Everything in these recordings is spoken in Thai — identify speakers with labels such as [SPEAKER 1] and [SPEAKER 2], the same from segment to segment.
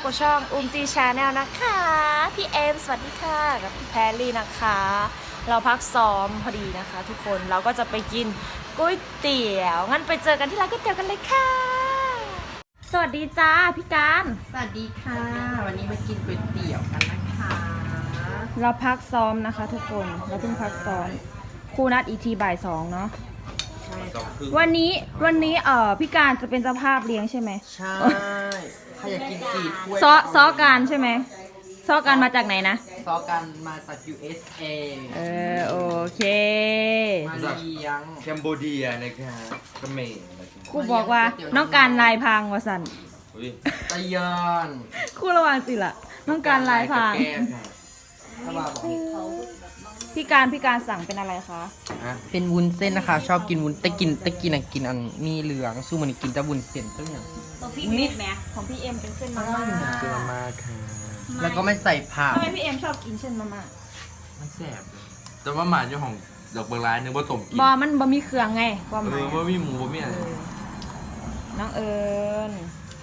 [SPEAKER 1] กับช่องตีชาแนลนะคะพี่เอมสวัสดีค่ะกับพี่แพรลี่นะคะ เราพักซ้อมพอดีนะคะ ทุกคนเราก็จะไปกินก๋วยเตี๋ยวงั้นไปเจอกันที่ร้านก๋วยเตี๋ยวกันเลยค่ะสวัสดีจ้าพี่การ
[SPEAKER 2] สวัสดีค่ะ วันนี้มากินก๋วยเตี๋ยวกันนะคะ
[SPEAKER 1] เราพักซ้อมนะคะ ทุกคนเราเพิ่งพักซ้อมครูนัดอีกทีบ่ายสองเนาะวันนี้พี่การจะเป็นเจ้าภาพเลี้ยงใช่ไหม
[SPEAKER 2] ใช่ใครอยากกินกี่ถ้วย
[SPEAKER 1] ซอการใช่ไหมซอการมาจากไหนนะ
[SPEAKER 2] ซอกันมาจาก USA
[SPEAKER 1] โอเค
[SPEAKER 2] มาเลี้ยง
[SPEAKER 3] แคมโบเดียนะครับเขมรนะครับ
[SPEAKER 1] ครูบอกว่าน้องการลายพรางวสัน
[SPEAKER 3] อุ้ย
[SPEAKER 2] ตะยอน
[SPEAKER 1] ครูระวังสิล่ะน้องการลายพราง
[SPEAKER 3] แก้มค่ะ
[SPEAKER 2] ถ้าว่าบอก
[SPEAKER 1] พี่การสั่งเป็นอะไรคะ
[SPEAKER 2] เป็นวุ้นเส้นนะคะ ชอบกินวุ้นแต่กินกินอันมีเหลืองสู้มันกินแต่วุ้นเส้นตัวอย่าง
[SPEAKER 1] ตัวพี่เอ็มไหมของพี่เอ็มเป็นเส้นมาม่า
[SPEAKER 3] เจอมาค่ะ
[SPEAKER 2] แล้วก็ไม่ใส่ผัก
[SPEAKER 1] ทำไมพี่เอ็มชอบกินเส้นมาม่า
[SPEAKER 3] มันแสบเลยแต่ว่าหมาเจ้าของดอกเบอร์ร้ายนึกว่าต้มกิน
[SPEAKER 1] มันบะมีเครื่องไงความหมาย
[SPEAKER 3] ว่ามีหมูว่ามีอะไร
[SPEAKER 1] น้องเอิญ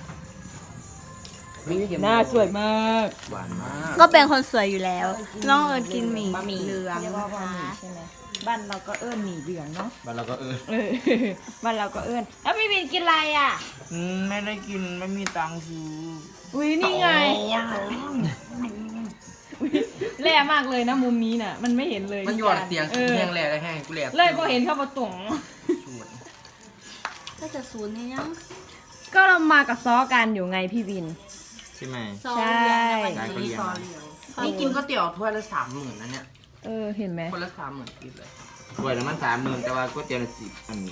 [SPEAKER 2] ไม่เค็ม
[SPEAKER 1] หน้าสวยมาก
[SPEAKER 3] หวานมาก
[SPEAKER 4] ก็เป็นคนสวยอยู่แล้ว น้องเอิญกินหมี่
[SPEAKER 1] บะหมี่
[SPEAKER 4] เหลือง
[SPEAKER 1] เรียกว่า
[SPEAKER 4] นะ
[SPEAKER 1] บะหมี่
[SPEAKER 4] คะ
[SPEAKER 1] ใช่ไหมบ้านเราก็เอิญหมี่เหลืองเนาะ
[SPEAKER 3] บ้านเราก็
[SPEAKER 1] เออ บ้านเราก็เอิญแล้วพี่วินกินอะไรอ่ะ
[SPEAKER 2] ไม่ได้กินไม่มีตังค์ซื้อ
[SPEAKER 1] อุ้ยนี่ไงอุ๊ยแร่มากเลยนะมุมนี้น่ะ มันไม่เห็นเลย
[SPEAKER 2] มันหยอดเสียง
[SPEAKER 1] เออ
[SPEAKER 2] แห้งแหล่ได้แห้งกูแหล่
[SPEAKER 1] เลยพอเห็นเข้าประตู
[SPEAKER 4] ก็จะศูนย์นี่ยัง
[SPEAKER 1] ก็เรามากับซ้อกันอยู่ไงพี่วิน
[SPEAKER 3] ใช่ไหม
[SPEAKER 4] ซอเรียงนะ
[SPEAKER 3] ได้
[SPEAKER 4] วัน
[SPEAKER 3] ก็
[SPEAKER 4] นี้
[SPEAKER 3] เลี้ยง
[SPEAKER 4] ซอเรียง
[SPEAKER 2] นี่กินก๋วยเตี๋ยวถ้วยละ30,000นะเนี่ย
[SPEAKER 1] เห็นไหม
[SPEAKER 2] คนละ30,000กินเลย
[SPEAKER 3] ถ้วยละมัน30,000แต่ว่าก๋วยเตี๋ยวละ10อัน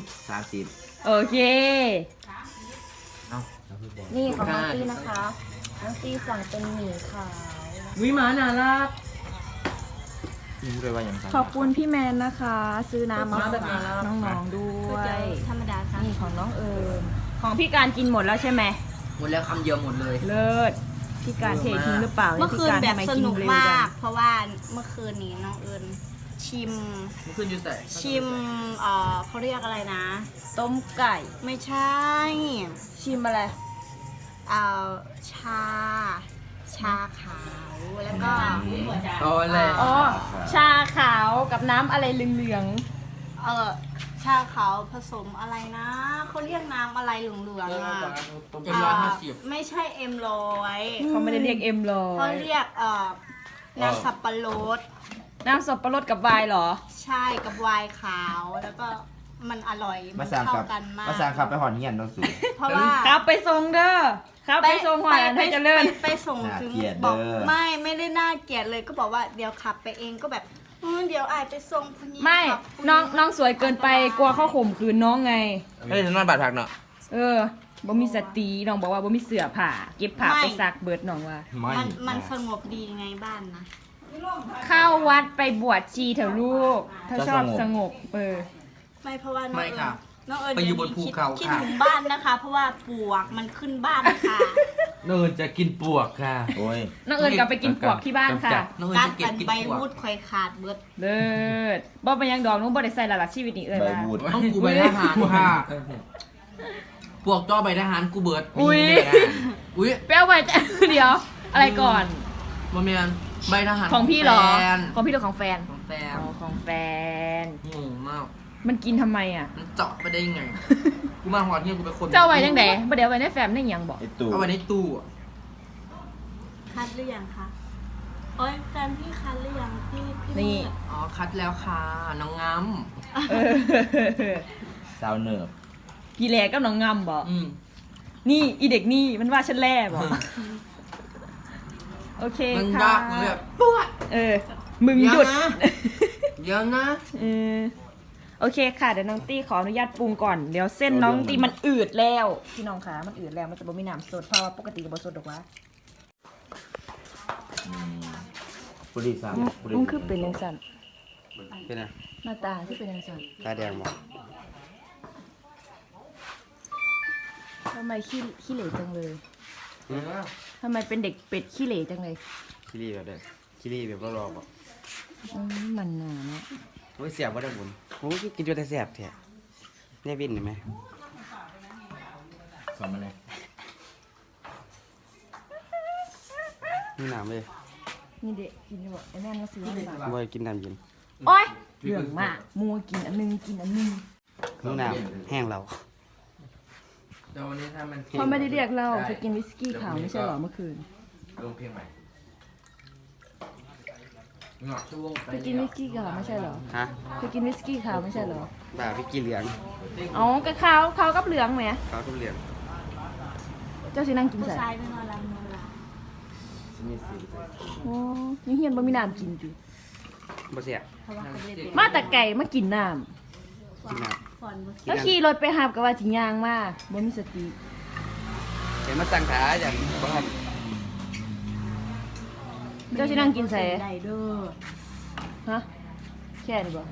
[SPEAKER 3] 30
[SPEAKER 1] โอเค
[SPEAKER 3] เอ้าแล้วพี่บอก
[SPEAKER 1] นี่ของน้องตี้นะคะน้องตี้สั่งเป็นหมี่ขาว
[SPEAKER 2] วิมาน่ารัก
[SPEAKER 3] นี่พูดเลยว่าอย่างไร
[SPEAKER 1] ขอบคุณพี่แมนนะคะ ซื้อน้ำมาฝากน้องๆด้
[SPEAKER 4] ก๋
[SPEAKER 1] ว
[SPEAKER 4] วยเตี๋ย
[SPEAKER 1] ยว
[SPEAKER 4] ธรรมดาค่ะ
[SPEAKER 1] นี่ของน้องเอิญของพี่การกินหมดแล้วใช่ไหม
[SPEAKER 2] หมดแล้วคำเดียวหมดเลย
[SPEAKER 1] เลิศพี่การเททิ้งหรือเปล่า
[SPEAKER 4] เมื่อคืน
[SPEAKER 1] พี่าร
[SPEAKER 4] แบบ
[SPEAKER 1] ทำไ
[SPEAKER 4] สนุก
[SPEAKER 1] เร็ว
[SPEAKER 4] มา
[SPEAKER 1] จั
[SPEAKER 4] ก
[SPEAKER 1] ง
[SPEAKER 4] เพราะว่าเมื่อคืนนี้น้องเอิญชิม
[SPEAKER 2] มันขึ้นอยู่แต่
[SPEAKER 4] เขาเรียกอะไรนะ
[SPEAKER 1] ต้มไก่
[SPEAKER 4] ไม่ใช่
[SPEAKER 1] ชิมอะไร
[SPEAKER 4] เอ่อชา ชาขาว แล้วก็
[SPEAKER 2] เอาอะไร
[SPEAKER 1] อ๋อชาขาวกับน้ำอะไรเหลือง
[SPEAKER 4] ชาขาวผสมอะไรนะเขาเรียกน้ำอะไรเหลืองๆอ่ะ
[SPEAKER 2] เจ็ดร้อยห้าสิบ
[SPEAKER 4] ไม่ใช่M100
[SPEAKER 1] ๆเขาไม่ได้เรียกเอ็มหรอ
[SPEAKER 4] เขาเรียกน้ำสับปะรด
[SPEAKER 1] น้ำสับปะรดกับไวน์เหรอ
[SPEAKER 4] ใช่กับไวน์ขาวแล้วก็มันอร่อยมั
[SPEAKER 3] มาน สั่ง
[SPEAKER 4] เข้า
[SPEAKER 3] กับ
[SPEAKER 4] กันมาก
[SPEAKER 3] มาสั่งขับไปหอนเงียนเราสู
[SPEAKER 4] เพราะว่า
[SPEAKER 1] ครับไปส่งเด้อครับไปส่งหวานให้เจริญ
[SPEAKER 4] ไปส่งถึงบอกไม่ได้น่าเกลียดเลยก็บอกว่าเดี๋ยวขับไปเองก็แบบเดี๋ยวอายไปส่งพนี้
[SPEAKER 1] ไม่
[SPEAKER 4] ขับพรุ่
[SPEAKER 1] น้องสวยเกินไปกลัวเขาข่มขืนน้องไง
[SPEAKER 3] เฮ้ยนอนบาดผักเนาะ
[SPEAKER 1] บ่มีสติน้องบอกว่าบ่มีเสื้อผ้าเก็บผ้าไปซักเบิดน้องว่า
[SPEAKER 3] ไม่
[SPEAKER 4] มันสงบดีไงบ้านนะ
[SPEAKER 1] เข้าวัดไปบวชชีเถอะลูก ถ้าชอบสงบ
[SPEAKER 4] ไม่เพราะว่าน้อง
[SPEAKER 2] ไม่
[SPEAKER 4] เอิญ
[SPEAKER 2] ค่ะ
[SPEAKER 4] น้องเอิญ
[SPEAKER 2] ไปอยู่บนภูเขา
[SPEAKER 4] คิด
[SPEAKER 2] ค่ะ
[SPEAKER 4] ถึงบ้านนะคะ เพราะว่าปลวกมันขึ้นบ้านค่ะ
[SPEAKER 3] เนินจะกินปวกค่ะโอ้ย
[SPEAKER 1] น้องเอิญกลับไปกินปวกที่บ้านค่ะ
[SPEAKER 2] น้องเอิญ
[SPEAKER 4] การ
[SPEAKER 2] จะเก็บ
[SPEAKER 4] กัน
[SPEAKER 2] กิน
[SPEAKER 4] ใบ
[SPEAKER 2] พวก
[SPEAKER 4] วุดคอยขาดเบิด
[SPEAKER 1] เลิศบ่เป็นหยังดอกน้องบ่ได้ใส่ละล่ะชีวิตนี้เอิญ
[SPEAKER 3] ใบ
[SPEAKER 1] ว่า
[SPEAKER 3] บูด
[SPEAKER 2] ต้องกูใบทหารค่ะพวกจ้อใบทหารกูเบิด
[SPEAKER 1] อุ๊ย
[SPEAKER 2] มีใบทหารอุ้ย
[SPEAKER 1] แป้วไปจะ เดี๋ยว อะไรก่อน
[SPEAKER 2] มาเมียนใบทหาร
[SPEAKER 1] ของพี่เหรอ
[SPEAKER 2] แฟน
[SPEAKER 1] ของพี่หรือของแฟน
[SPEAKER 2] ของแฟน
[SPEAKER 1] อ๋อของแฟน
[SPEAKER 2] งงมาก
[SPEAKER 1] มันกินทำไมอ่ะ
[SPEAKER 2] มันเจาะไปได้ยังไง กูมาหอดเนี่ยกูเป็นคน
[SPEAKER 1] เจ้าไว้จังไดบ่เดี๋ยวไว้ในแฟมได้หยังบอก
[SPEAKER 3] ไอตู่
[SPEAKER 2] เอาไว้ในตู้อะ
[SPEAKER 4] คัดหรือยังคะโอ้ยแฟนพี่คัดหรือยังพี่
[SPEAKER 1] นี่
[SPEAKER 2] อ๋อคัดแล้วค่ะน้องง้
[SPEAKER 1] เออ
[SPEAKER 3] ซาวเนิร์ฟ
[SPEAKER 1] พี่แหลกกับน้องงำบอก
[SPEAKER 2] ำ
[SPEAKER 1] นี่อีเด็กนี่มันว่าฉันแล่บอกโอเค
[SPEAKER 2] มัน
[SPEAKER 1] ค่ะ
[SPEAKER 2] ยากมันแบบปวด
[SPEAKER 1] มึงหยุด
[SPEAKER 2] เดี๋ยวนะ
[SPEAKER 1] โอเคค่ะเดี๋ยวน้องตี้ขออนุญาตปรุงก่อนเดี๋ยวเส้นน้องตี้มันอืดแล้วพี่น้องคะมันอืดแล้วมันจะบ่มีน้ำสดเพราะว่าปกติจะบ่สดหรอกวะ
[SPEAKER 3] ปุริสามปุริ
[SPEAKER 1] มันคือเป็นยังสั่น
[SPEAKER 3] เป็นไง
[SPEAKER 1] หน้าตาคือเป็นยังสั่น
[SPEAKER 3] ตาแดงบอก
[SPEAKER 1] ทำไมขี้เหร่จังเลยทำไมเป็นเด็กเป็ดขี้เหร่จังเลย
[SPEAKER 3] คิริแบบเด็กคิริแบบรอบๆบอก
[SPEAKER 1] มันหนาเนาะ
[SPEAKER 5] โอ้ยเสียบว่าได้บุญโอ้ยกินจนแต่เสียบแท้เนี่ยวินเห็นไหม
[SPEAKER 3] สอนมาเลย
[SPEAKER 5] นี่น้ำเลย
[SPEAKER 1] นี่เด็กกินดีกว่าไอ้แม่ก็ซื้อให้มา
[SPEAKER 5] บ่ได้กินน้ำเย็น
[SPEAKER 1] โอ๊ยเรื่องมากมัวกินอันนึงกินอันนึง
[SPEAKER 5] นี่น้ำแห้งเรา
[SPEAKER 3] เดี๋ยววันนี้ถ้ามัน
[SPEAKER 1] เขาไม่ได้เรียกเราเธอกินวิสกี้ขาวไม่ใช่เหรอเมื่อคืน
[SPEAKER 3] ลงเพลงใหม่เงาะช่วง
[SPEAKER 1] เธอกินวิสกี้ขาวไม่ใช่เหรอ
[SPEAKER 5] ฮะ
[SPEAKER 1] เธอกินวิสกี้ขาวไม่ใช่เหรอ
[SPEAKER 5] บ่าพี่กินเหลือง
[SPEAKER 1] อ๋อกระขาวขาวกับเหลืองไหม
[SPEAKER 5] เขาทุเรียน
[SPEAKER 1] เจ้าสินั่งกิน
[SPEAKER 4] ผู้
[SPEAKER 1] ใส่
[SPEAKER 4] ชายไม่นอนหลับนอนหลับ
[SPEAKER 1] โอ้ยังเฮียนบ่มีน้ำกินอยู่
[SPEAKER 5] บ่เสีย
[SPEAKER 4] เพราะว่าเขาไม่ได้เป็น
[SPEAKER 1] มาแต่ไก่มากินน้
[SPEAKER 5] กินน้
[SPEAKER 4] ฟอนบ่
[SPEAKER 1] ำแล้วขี่รถไปหาบกับว่าสิย่างมาบ่มีสติ
[SPEAKER 5] ำเดี๋ยวมาสั่งขาอย่างบ้าน
[SPEAKER 1] เจ้าสินั่งกินใส่
[SPEAKER 4] ได้เด้อ
[SPEAKER 1] ฮะแค่นี้บ่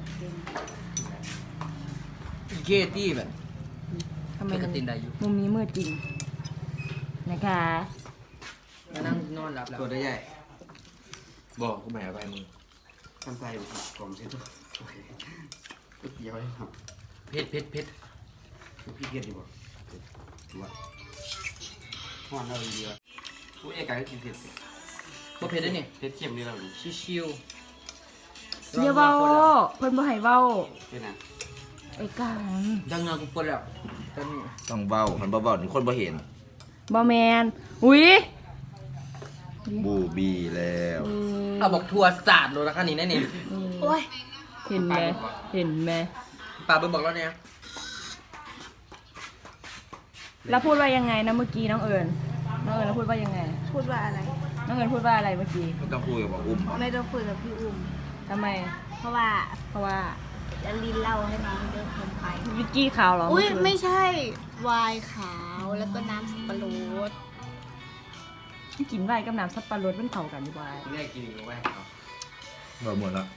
[SPEAKER 2] เกตี้แบบ
[SPEAKER 1] ทำไม
[SPEAKER 2] ไม่ก
[SPEAKER 1] มั
[SPEAKER 2] ระ
[SPEAKER 1] น
[SPEAKER 2] ตินได้อยู่
[SPEAKER 1] มุมนี้มืดจริงนะคะ
[SPEAKER 2] มานั่งนอนหลับแล้ว
[SPEAKER 5] ตัวได้ใหญ่
[SPEAKER 3] บอกกูแหมไปมึง
[SPEAKER 5] ทำใจผมเช็ดตัวโอเคก๋วยเตี๋ยวให้ครับ
[SPEAKER 2] เผ็ด
[SPEAKER 5] พี่เกียรติบ่ถือว่าห้อนเราดีว่ะผู้เอกการกินเผ็ด
[SPEAKER 2] บ่เผ็ดได้นี่
[SPEAKER 5] เผ็ดเค็มนี่เราดู
[SPEAKER 2] ชิวๆ
[SPEAKER 1] อย่าเว้าเพิ่นบ่ให้เว้า
[SPEAKER 5] เป็นไง
[SPEAKER 1] ไอ้กัน
[SPEAKER 2] ดังเงากูปวดแล้วตอนนี้
[SPEAKER 3] ต้องเบามันเบาๆนี่คนบ่เห็น
[SPEAKER 1] บ่แมนอุ้ย
[SPEAKER 3] บูบีแล้ว
[SPEAKER 2] เอาบอกทัวร์ศาสตร์โลละคันนี้แน่นี่
[SPEAKER 4] โอ้ย
[SPEAKER 1] เห็นไหมเห็นไหม
[SPEAKER 2] ป่าเบิ่งบอกแล้วเนี่ย
[SPEAKER 1] แล้วพูดว่ายังไงนะเมื่อกี้น้องเอิญแล้วพูดว่ายังไง
[SPEAKER 4] พูดว่าอะไร
[SPEAKER 1] น้องเอิญพูดว่าอะไรเมื่อกี้
[SPEAKER 3] ไม่ต้องคุยกับอุ้ม
[SPEAKER 4] ไม่ต้องคุยกับพี่อุ้ม
[SPEAKER 1] ทำไม
[SPEAKER 4] เพราะว่า
[SPEAKER 1] เพราะว่า
[SPEAKER 4] จะลินเหล่าให้น้องเยอะเกินไป
[SPEAKER 1] วิกกี้ขาวเหรอ
[SPEAKER 4] อุ้ย
[SPEAKER 1] เคืน
[SPEAKER 4] ไม่ใช่ไวน์ขาวแล้วก็น้ำสับปะรด
[SPEAKER 1] กินไวน์กับน้ำสับปะรดมันเข้ากันดีกว่า
[SPEAKER 5] แม่กินอีกไหมครับ
[SPEAKER 3] บอกหมดแล้ว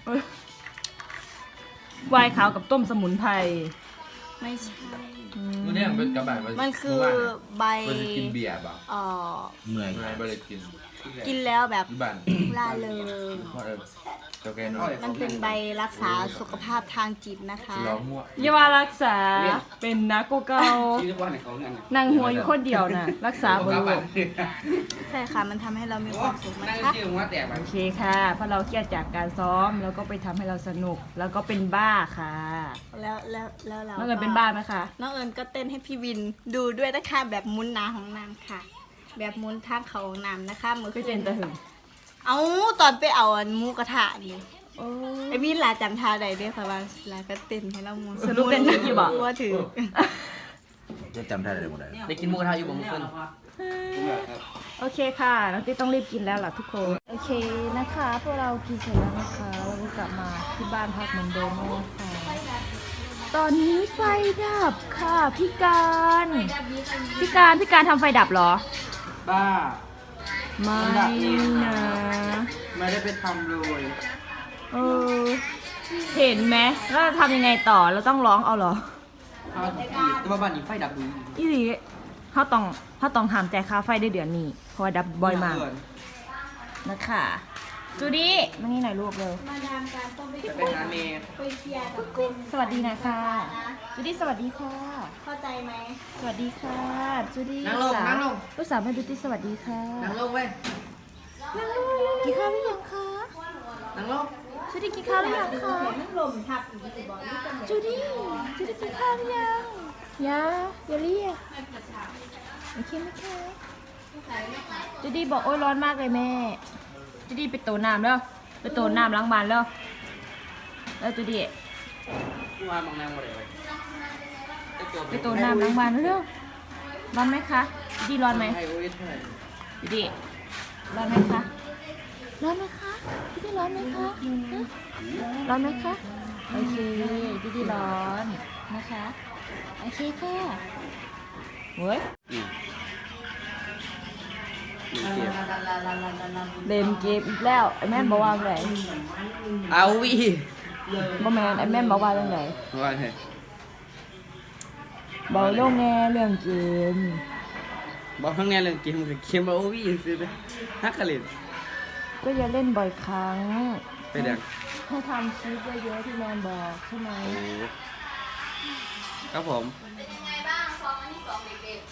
[SPEAKER 1] ไวน์ขาวกับต้มสมุนไพร
[SPEAKER 4] ไม่ใช่
[SPEAKER 3] วันนี้เป็นกระบะ
[SPEAKER 4] มันคือใบ
[SPEAKER 3] มันจะกินเบียร์เปล่า
[SPEAKER 4] เอ่อ
[SPEAKER 3] เมื่อยไม่ได้กิน
[SPEAKER 4] กินแล้วแบบ
[SPEAKER 3] ที่บ้าน
[SPEAKER 4] ล่าเริง
[SPEAKER 3] เพราะเจ้าแกนอน
[SPEAKER 4] มันเป็นใบรักษาสุขภาพทางจิตนะคะ
[SPEAKER 3] ร้องมั่ว
[SPEAKER 1] อย่าว่ารักษาเป็นนักโกเกา
[SPEAKER 5] ที่ว่าในเขาเนี่ย
[SPEAKER 1] นั่งหัวอยู่คนเดียวน่ะ รักษาบริโภค
[SPEAKER 4] ใช่ค่ะ มันทำให้เรามีความสุข
[SPEAKER 5] นั่
[SPEAKER 4] นะ
[SPEAKER 5] ง
[SPEAKER 4] คะ
[SPEAKER 5] ชื่อหัวแตกไป
[SPEAKER 1] โอเคค่ะเพราะเราเครียดจากการซ้อมแล้วก็ไปทำให้เราสนุก แล้วก็เป็นบ้าค่ะ
[SPEAKER 4] แล้วเรา
[SPEAKER 1] น้องเอิญเป็นบ้าไหมคะ
[SPEAKER 4] น้องเอิญก็เต้นให้พี่วินดูด้วยนะคะแบบมุนหนาของนางค่ะ แบบมุนทางเขาของนางนะคะมือ
[SPEAKER 1] ไปเจนตะหึง
[SPEAKER 4] เอาตอนไปเอาอันหมูกระทะนี่
[SPEAKER 1] โอ้
[SPEAKER 4] ไอ้วินลาจำท่าใดได้ค่ะว่าลาก็เต้นให้เรามุน
[SPEAKER 1] สรุปเต้นที่บอก
[SPEAKER 4] ว่าถือ
[SPEAKER 3] จะจำได้เลยหมดเลย
[SPEAKER 2] ได้กินหมูกระทะอยู่บ่เมื่อคืน
[SPEAKER 1] โอเคค่ะน้องติ๊ต้องรีบกินแล้วล่ะทุกคน โอเคนะคะพวกเรากินเสร็จแล้วนะคะเราก็กลับมาที่บ้านพักเหมือนเดิมนะคะตอนนี้ไฟดับค่ะพี่การทำไฟดับเหรอ
[SPEAKER 5] บ้า
[SPEAKER 1] ไม่นะ
[SPEAKER 5] ไม่ได้ไปทำเลย
[SPEAKER 1] เออเห็นไหมแล้วเราทำยังไงต่อเราต้องร้องเอาเหรอ
[SPEAKER 2] แต่ว่าบ้านนี้ไฟดับดู
[SPEAKER 1] อีหลีเขาต้องห้ามแต่ค่าไฟได้เดือนนี้เพราะว่าดับบ่อยมากนะคะจูดี้มานี่หน่อยลูกเร็ว
[SPEAKER 4] มาดามการต้องไป
[SPEAKER 5] ไปหาเมย์
[SPEAKER 4] ไปเคลียร์กับกุ้ง
[SPEAKER 1] สวัสดีนะคะจูดี้สวัสดีค่ะ
[SPEAKER 4] เข้าใจไหม
[SPEAKER 1] สวัสดีค่ะจูดี้
[SPEAKER 2] นั่งลงนั่งลง
[SPEAKER 1] ลูกสาวแม่ดูตี้สวัสดีค่ะ
[SPEAKER 2] นั่งลงเว้ย
[SPEAKER 1] นั่งลงกินข้าวหรือยังคะ
[SPEAKER 2] นั่งลง
[SPEAKER 1] จูดี้กินข้าวหรือยังคะ
[SPEAKER 4] น้ำลมทับอยู่ที่บอกนี่จะเหมือน
[SPEAKER 1] จูดี้กินข้าวหรือยังอย่าเรียกโอเคไหมคะจูดี้บอกโอ๊ยร้อนมากเลยแม่จูดี้ไปโตน้ำแล้วไปโตน้ำล้างบานแล้วจูดี้
[SPEAKER 5] กูมามองนางหมดเลย
[SPEAKER 1] ไปโตน้ำล้างบานเร็วร้อนไหมคะจูดี้ร้อนไหม
[SPEAKER 5] ให้โอ้ยเท่าไหร่
[SPEAKER 1] จูดี้ร้อนไหมคะร้อนไหมคะจูดี้ร้อนไหมคะฮะร้อนไหมคะโอเคจูดี้ร้อนนะคะโอเคค่ะเฮ้ย เล่นเกมอีกแล้วไอ้แม่นบอกว่าไง
[SPEAKER 2] เอาวิ
[SPEAKER 1] บ่แม่นไอ้แม่นบอกว่าเรื่องไหน
[SPEAKER 5] ว่าไง
[SPEAKER 1] บอกเรื่องแง่เรื่องเกม
[SPEAKER 5] บอกทั้งนี้เรื่องเกมกับเกมมาโอ้ยซื้อไปฮักกะเล่น
[SPEAKER 1] ก็อย่าเล่นบ่อยครั้ง
[SPEAKER 5] ไปเด็ก
[SPEAKER 1] ให้ทำคลิปเยอะๆที่แมนบอกใช่ไหม
[SPEAKER 5] ครับผม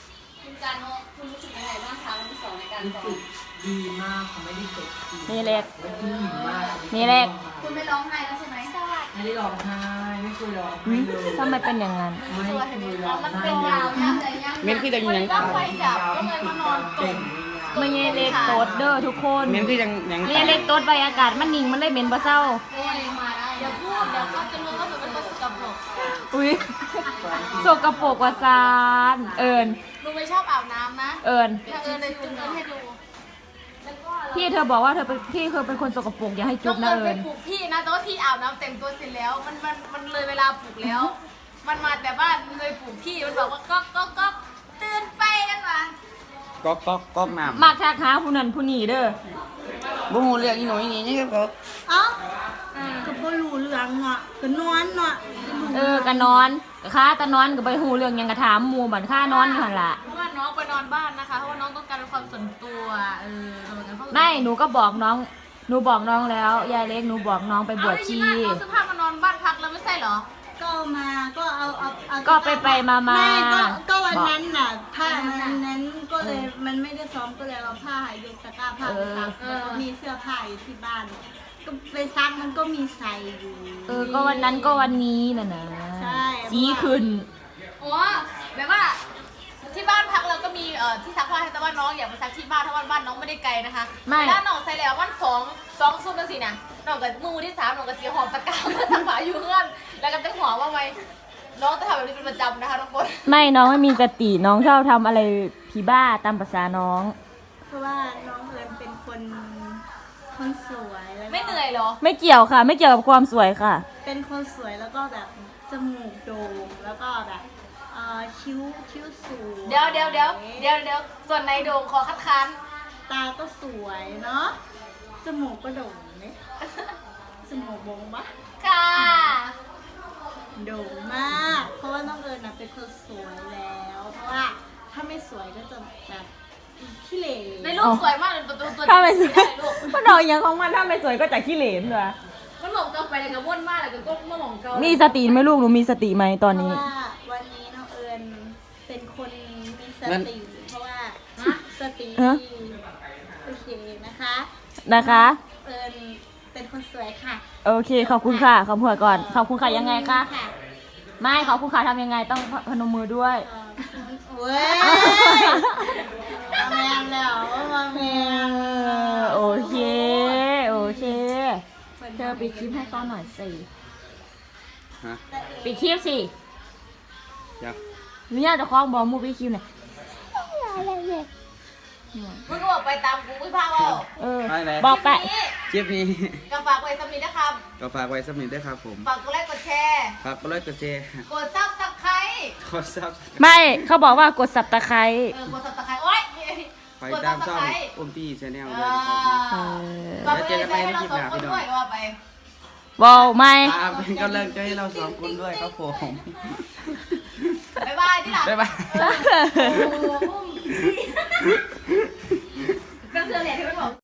[SPEAKER 4] คุณการโนคุณรู้สึกยังไงบ้างคะวันที่ 2ในการซ้อม
[SPEAKER 2] ดีมากค่ะไม่ได้เจ็บ
[SPEAKER 1] นี่เล็ก
[SPEAKER 2] และกินหิวมาก
[SPEAKER 1] นี่เล็ก
[SPEAKER 4] คุณไม่ร้องไห้แล้วใช่ไหมสวัสดี
[SPEAKER 2] ไม่ได้ร้องไห้ไม่เคยร้องไห้เลย
[SPEAKER 1] ทำไมเป็นอย่างนั้น
[SPEAKER 2] ไม่เคยร้อง
[SPEAKER 4] มัน
[SPEAKER 2] ไห้
[SPEAKER 4] เป็น
[SPEAKER 2] เลย
[SPEAKER 4] ยาวย่างเลยย่าง
[SPEAKER 5] เม้นคือจังยัง
[SPEAKER 4] ก็ไฟดับก็เลยมานอนตก
[SPEAKER 1] ไม่ใช่เล็กโตดเด้อทุกคน
[SPEAKER 5] เม้นคือยังยัง
[SPEAKER 1] ไม่ใช่เล็กโตดใบอากาศมันนิ่งมันเลยเหม็นบ่เศร้า
[SPEAKER 4] โอ้ยมาได้เดี๋ยวพูดเดี๋ยวเขาจะรู้ว่ามันเป็นคนสกปรก
[SPEAKER 1] อุ้ยโสกปรกว่าซานเอิญ
[SPEAKER 4] ลุงไม่ชอบอาบน้ำนะ
[SPEAKER 1] เอิญ
[SPEAKER 4] ถ้าเลยจุ๊บเอิญให้ดู
[SPEAKER 1] พี่เธอบอกว่าเธอเป็นพี่เคยเป็นคนสกปรกอย่าให้จุ๊บนะ
[SPEAKER 4] เอิ
[SPEAKER 1] เอิ
[SPEAKER 4] ญ
[SPEAKER 1] ญ
[SPEAKER 4] ไปปลุกพี่นะแต่ว่าพี่อาบน้ำเต็มตัวเสร็จแล้ว มันเลยเวลาปลุกแล้ว มันมาแต่บ้านเลยปลุกพี่มันบอกว่าก็ตื่นไปกันมา
[SPEAKER 5] ก๊อกน้ำ
[SPEAKER 1] มักทักหาผู้นั้นผู้นี้เด้อ
[SPEAKER 5] บ่ฮู้เรื่องอีหน่อยนี่นี่ก็
[SPEAKER 4] เอ้าก็บ่รู้เรื่องเนาะก็นอนเนาะ
[SPEAKER 1] ก็นอนก็ค่าตะนอนก็ไปหูเรื่องหยังกะถามหมู่บัดค่านอนอยู่หั่นล่ะ
[SPEAKER 4] เพราะว่าน้องไปนอนบ้านนะคะเพราะว่าน้องต้องการความส่วนตัวเหมือนกัน
[SPEAKER 1] ไม่หนูก็บอกน้องหนูบอกน้องแล้วยายเล็กหนูบอกน้องไปบวชชี
[SPEAKER 4] เอาเสื้อผ้ามานอนบ้านพักแล้วไม่ใช่เหรอ
[SPEAKER 6] ก็มาก็เอา
[SPEAKER 1] ก็ไปมา
[SPEAKER 6] ไม่ก็วันนั้นน่ะผ้านั้นก็เลยมันไม่ได้ซ้อมก็เลยเอาผ้ายกตะกร้าผ้าไปซักแล้วก็มีเสื้อผ้าอยู่ที่บ้าน ก็ไปซักมันก็มีใส่อยู่
[SPEAKER 1] ก็วันนั้นก็วันนี้น่ะนะ
[SPEAKER 6] ใช่
[SPEAKER 1] สีขึ้น
[SPEAKER 4] อ๋อแบบว่าที่บ้านพักเราก็มีที่ซักผ้าให้แต่ว่าน้องอยากไปซักที่บ้านถ้าบ้านน้องไม่ได้ไกลนะคะแล้วน้องใส่แล้ววันสองซุ่มนั่นสินะน้องกับมือที่3น้องกับสีหอมตะกร้ามาซักผ้าอยู่เพื่อนแล้วก็จะหัวว่าไงน้องจะทำแบบนี้เป็นประจำนะคะทุกคน
[SPEAKER 1] ไม่น้องไม่มีสติน้องชอบทำอะไรผีบ้าตามภาษาน้อง
[SPEAKER 6] เพราะว่าน้องเอิญเป็นคนสวยแล้วก็
[SPEAKER 4] ไม่เหนื่อยเหรอ
[SPEAKER 1] ไม่เกี่ยวค่ะ ไม่เกี่ยวกับความสวยค่ะ
[SPEAKER 6] เป็นคนสวยแล้วก็แบบจมูกโด่งแล้วก็แบบคิ้วสูง
[SPEAKER 4] เดี๋ยวส่วนในโด่งขอคัดค้าน
[SPEAKER 6] ตาก็สวยเนาะจมูกก็โด่งเนี่ยจมูกโด่งปะ
[SPEAKER 4] ค่ะ
[SPEAKER 6] โด่งมาก เพราะว่าน้องเอิญน่ะเป็นคนสวยแล้ว เพราะว่าถ้าไม่สวยก็จะแบบขี้เหร่
[SPEAKER 4] ในรูปสวยมากเลยตัว
[SPEAKER 1] ถ้าไม่สวย
[SPEAKER 4] ได้ลูก
[SPEAKER 1] มันเอาอย่างของมันถ้าไม่สวยก็จะขี้เหร่เลย
[SPEAKER 4] มันหลงเกาไปเลยกับว่นมากเลยกับก้มมาหลงเกา
[SPEAKER 1] มีสติไหมลูกหนูมีสติไหมตอนนี้
[SPEAKER 6] เพราะว่าวันนี้น้องเอิญเป็นคนมีสติเพราะว่าสติ
[SPEAKER 1] ฮะ
[SPEAKER 6] โอเคนะคะ
[SPEAKER 1] นะคะ
[SPEAKER 6] เอิญเป็นคนสวยค่ะ
[SPEAKER 1] โอเคขอบคุณค่ะขอบคุณก่อนขอบคุณค่ะยังไงคะ
[SPEAKER 6] ค่ะ
[SPEAKER 1] ไม่ขอบคุณค่ะทำยังไงต้องพนมมือด้วย
[SPEAKER 6] เว้ยมาแมนแล้วมาแมน
[SPEAKER 1] โอเคโอเคเธอปิดคลิปให้เขาหน่อยสิ
[SPEAKER 5] ฮะ
[SPEAKER 1] ปิดคลิปสิ
[SPEAKER 5] อยาก
[SPEAKER 1] เนี่ยจะคล้องบอลมูปิดคลิปหน่อย
[SPEAKER 4] มึงก็บอกไปตามกูไม่พาเอา
[SPEAKER 5] ไปไหน
[SPEAKER 1] บอกไป
[SPEAKER 5] คลิปนี้
[SPEAKER 4] ก็ฝากไว้สำนีนะครับ
[SPEAKER 5] ก็ฝากไว้สักนิดด้วยครับผม
[SPEAKER 4] ฝากกดไลค์กดแชร์
[SPEAKER 5] ฝากกดไลค์กดแชร์
[SPEAKER 4] กดซับสไครต์
[SPEAKER 5] กดซับ
[SPEAKER 1] ไม่เขาบอกว่ากดสับตะไคร้
[SPEAKER 4] กดซับสไครต์โอ๊ย
[SPEAKER 5] ไป
[SPEAKER 4] กด
[SPEAKER 5] ตา
[SPEAKER 4] ซั
[SPEAKER 5] ม
[SPEAKER 4] บส
[SPEAKER 5] ช่อง
[SPEAKER 4] ไครต์
[SPEAKER 5] อุ้มตี้ชาแนล
[SPEAKER 4] เอ
[SPEAKER 5] ด้วยนะครับ
[SPEAKER 4] ฝากกดไลค์ให้เราสองคนด้วยก็ว่าไป
[SPEAKER 1] บอลไม่
[SPEAKER 5] ตามเป็นกำลังใจให้เราสองคนด้วยครับผม
[SPEAKER 4] บ๊ายบายที่หลัง
[SPEAKER 5] บ๊ายบาย
[SPEAKER 4] ก็เธอแหละที่มันบอก